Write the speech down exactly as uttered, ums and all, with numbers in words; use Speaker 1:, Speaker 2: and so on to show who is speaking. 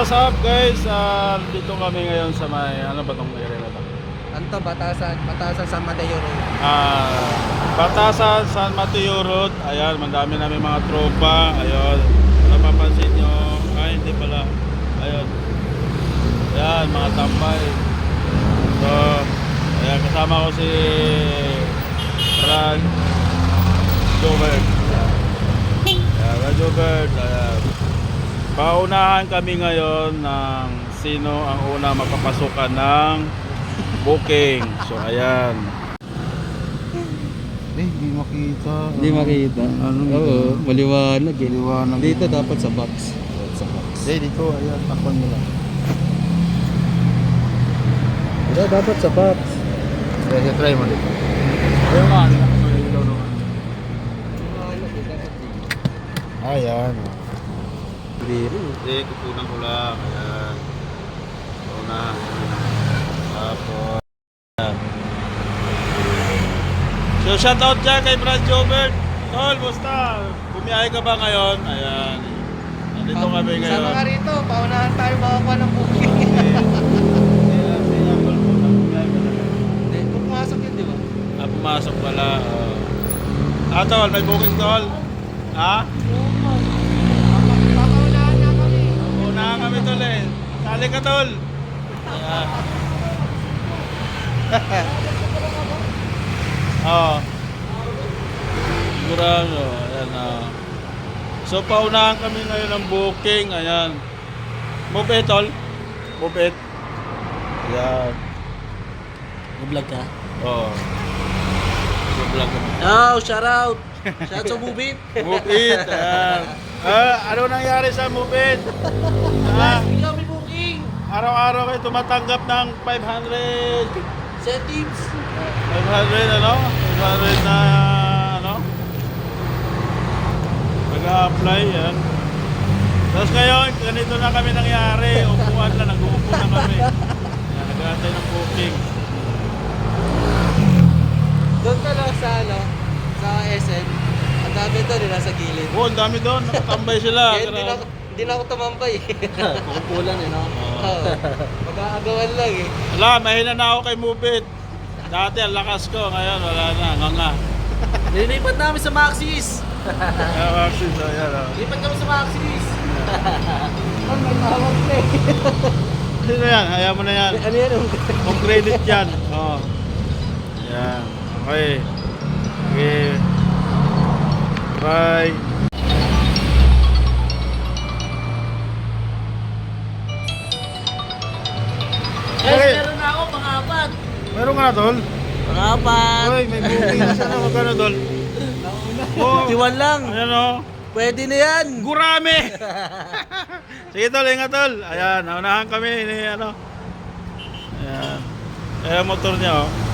Speaker 1: what's up guys? Uh, dito kami ngayon sa may, ano ba tong area na to?
Speaker 2: Anto, Batasan, Batasan San Mateo Road.
Speaker 1: Ah, Batasan, San Mateo Road. Ayan, mandami namin mga tropa. Ayun, napapansin nyo. Ay, hindi pala. Ayun. Ayan, mga tambay. So, ayan, kasama ko si Brad Jobert. Ayan, Brad Jobert. Ayan. Paunahan kami ngayon ng sino ang una magpapasukan ng booking. So ayan. Eh, hindi makita.
Speaker 2: Hindi makita.
Speaker 1: Ano
Speaker 2: Oo,
Speaker 1: yun?
Speaker 2: maliwanag eh.
Speaker 1: Maliwanag.
Speaker 2: Dito dapat sa box. Sa box.
Speaker 1: Eh, dito, ayan, takpan mo lang.
Speaker 2: Dito dapat sa box.
Speaker 1: Sige, try mo dito. Ayun nga, hindi ako yung ilaw naman. Ayan.
Speaker 2: Biro.
Speaker 1: Hindi, kukunan ko lang. Ayan. Una. Tapos. Ayan. So, shout out dyan kay Brad Jobert. Tol, basta. Bumiyahe ka ba ngayon? Ayan. Nandito kami ngayon.
Speaker 2: Sama ka rito, paunahan tayo makakuha ng booking.
Speaker 1: Ayan, siya, tol, muna. Bumiyahe ka na.
Speaker 2: Hindi, pumasok yun, di ba?
Speaker 1: Ah, pumasok pala. Oh. Ah, tol, may booking, tol. Ha?
Speaker 2: Papaunahan na kami.
Speaker 1: Unahan kami, tol eh. Sali ka, tol. Ayan. Oo. Sigurado. Ayan ah. So, paunahan kami ngayon ng booking. Ayan. Move it, tol. Move it. Ayan.
Speaker 2: Nag-vlog ka?
Speaker 1: Oo. Vlog kami.
Speaker 2: Oh, shout out! Shout out sa movie.
Speaker 1: Move it. Ayan. Ah, ano nangyari sa move it? Ah,
Speaker 2: Ikaw may booking.
Speaker 1: araw-araw kayo tumatanggap ng five hundred.
Speaker 2: Settings.
Speaker 1: five hundred ano? five hundred na ano? Nag-a-apply yan. Tapos ngayon, ganito na kami nangyari. Upuan na, nag-uupo na kami. Yan, nag-aantay ng booking.
Speaker 2: Doon ka lang sa ano, sa S N. Ang dami doon, nila sa gilid.
Speaker 1: Oh, ang dami doon. Nakatambay sila.
Speaker 2: Kaya hindi na, hindi na ako tumambay. Kukulan eh, no? Oo. Mag-aagawan lang eh.
Speaker 1: Wala, mahina na ako kay Mubit. Dati ang lakas ko, ngayon wala na, nga nga.
Speaker 2: Nilipat namin sa Maxis.
Speaker 1: Kaya Maxis, ayan o.
Speaker 2: Lipat kami sa Maxis. Ang may tawag na eh.
Speaker 1: Ano yan? Hayaan mo na yan.
Speaker 2: Ano yan?
Speaker 1: Kung credit yan. Oo. Yan. Okay. Okay. Bye.
Speaker 2: Guys,
Speaker 1: Okay.
Speaker 2: meron na ako, pang-apat.
Speaker 1: Meron ka na, tol?
Speaker 2: Pang-apat.
Speaker 1: Uy, may booking na siya na. Magkano, tol? Oh,
Speaker 2: Tiwan lang.
Speaker 1: ayan o.
Speaker 2: Pwede na yan.
Speaker 1: Gurame! Sige, tol. Ingat, tol. Ayan. Naunahan kami. Ini, ano. Ayan. Ayan, motor niya, oh.